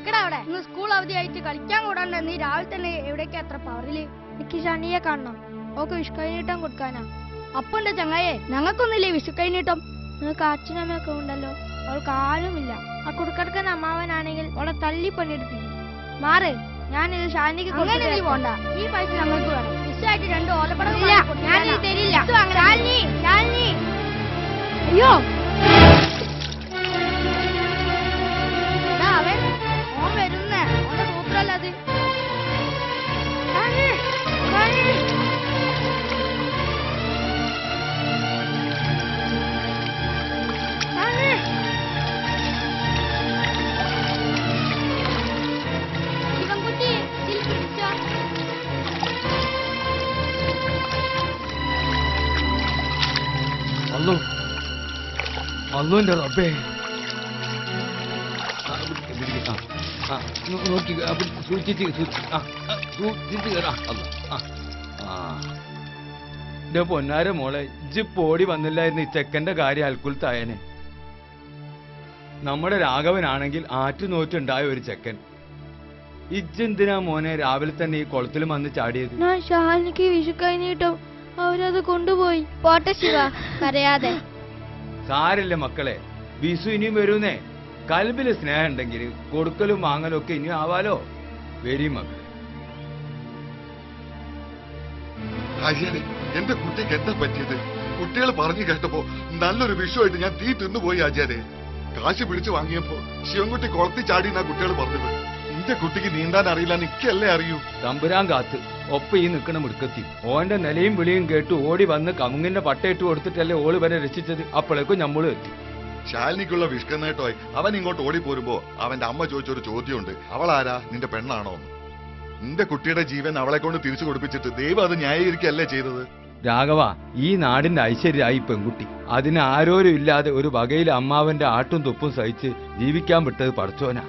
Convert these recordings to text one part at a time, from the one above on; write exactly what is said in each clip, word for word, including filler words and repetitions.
നിക്കടാ അവിടെ. ഇന്ന് സ്കൂൾ അവധിയായിട്ട് കളിക്കാൻ കൂടാണ്ട് നീ രാവിലെ തന്നെ എവിടേക്കാ അത്ര പവറില്? എനിക്ക് ഷണിയെ കാണണം. ഓക്കെ വിഷുക്കൈനീട്ടം കൊടുക്കാനാ. അപ്പൊ എന്റെ ചങ്ങായെ ഞങ്ങൾക്കൊന്നില്ലേ വിഷുക്കൈനീട്ടം? നിങ്ങൾക്ക് അച്ഛനമ്മയൊക്കെ ഉണ്ടല്ലോ, അവൾക്ക് ആരുമില്ല. ആ കുടുക്കടക്കുന്ന അമ്മാവനാണെങ്കിൽ അവളെ തല്ലി പണിയെടുപ്പിക്കും. മാറ്, ഞാനിത് ഷാനിക്ക് പോണ്ട. ഈ പൈസ ഞങ്ങൾക്ക് വേണം. വിഷയായിട്ട് രണ്ട് ഓലപ്പടം ഞാനിത് തരില്ല. അയ്യോ അവൻ ഓൻ വരുന്നേ, ഓന്റെ സൂത്രല്ല അത്. ശിവൻകുട്ടി ഇതിൽ പിടിച്ചോ. അല്ലോ അല്ലോന്റെ റബ്ബേ, നോക്കി സൂക്ഷിച്ച് സൂക്ഷിച്ച് കയറാ. എന്റെ പൊന്നാര മോളെ, ഇജ്ജ് പോടി വന്നില്ലായിരുന്നു ഈ ചെക്കന്റെ കാര്യം അൽക്കുലത്തായനെ. നമ്മുടെ രാഘവനാണെങ്കിൽ ആറ്റുനോറ്റുണ്ടായ ഒരു ചെക്കൻ. ഇജ്ജെന്തിനാ മോനെ രാവിലെ തന്നെ ഈ കുളത്തിൽ വന്ന് ചാടിയത്? ഞാൻ ഷാലിനിക്ക് വിഷുക്കൈനീട്ടും അവരത് കൊണ്ടുപോയി. പോട്ടെ ശിവ, കരയാതെ. സാരില്ല മക്കളെ, വിഷു ഇനിയും വരൂന്നേ. കൽബില് സ്നേഹം ഉണ്ടെങ്കിൽ കൊടുക്കലും വാങ്ങലും ഒക്കെ ഇനിയും ആവാലോ. വരി മക്കളെ. എന്റെ കുട്ടിക്ക് എന്താ പറ്റിയത്? കുട്ടികൾ പറഞ്ഞു കേട്ടപ്പോ നല്ലൊരു വിഷുവായിട്ട് ഞാൻ തീ തിന്നുപോയി ആചാരെ. കാശ് പിടിച്ചു വാങ്ങിയപ്പോ ശിവൻകുട്ടി കുളത്തി ചാടിയെന്നാ കുട്ടികൾ പറഞ്ഞത്. എന്റെ കുട്ടിക്ക് നീന്താൻ അറിയില്ല, നിക്കല്ലേ അറിയൂ. തമ്പുരാൻ കാത്ത് ഒപ്പം ഈ നിൽക്കണ മുടുക്കത്തി ഓന്റെ നിലയും വിളിയും കേട്ടു ഓടി വന്ന് കമുങ്ങിന്റെ പട്ടയിട്ട് കൊടുത്തിട്ടല്ലേ ഓള് വരെ രക്ഷിച്ചത്. അപ്പോഴേക്കും ഞമ്മള് എത്തി. ശാലിനിക്കുള്ള വിഷ്കന്നേട്ടോയി അവൻ ഇങ്ങോട്ട് ഓടിപ്പോരുമ്പോ അവന്റെ അമ്മ ചോദിച്ചൊരു ചോദ്യമുണ്ട്, അവളാരാ, നിന്റെ പെണ്ണാണോ? നിന്റെ കുട്ടിയുടെ ജീവൻ അവളെ കൊണ്ട് തിരിച്ചു കൊടുപ്പിച്ചിട്ട് ദൈവം അത് ന്യായീകരിക്കല്ലേ ചെയ്തത്? രാഘവ, ഈ നാടിന്റെ ഐശ്വര്യമായി പെൺകുട്ടി. അതിന് ആരോരും ഇല്ലാതെ ഒരു വകയിൽ അമ്മാവന്റെ ആട്ടും തുപ്പും സഹിച്ച് ജീവിക്കാൻ വിട്ടത് പടച്ചോനാ.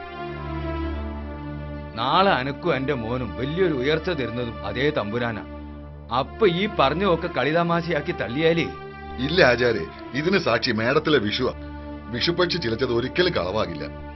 നാളെ അനക്കും എന്റെ മോനും വലിയൊരു ഉയർച്ച തരുന്നതും അതേ തമ്പുരാനാ. അപ്പൊ ഈ പറഞ്ഞൊക്കെ കളിതമാശയാക്കി തള്ളിയാലേ. ഇല്ല ആചാരെ, ഇതിന് സാക്ഷി മേടത്തിലെ വിഷുവാ. വിഷുപക്ഷി ചിലച്ചത് ഒരിക്കലും കളവാകില്ല.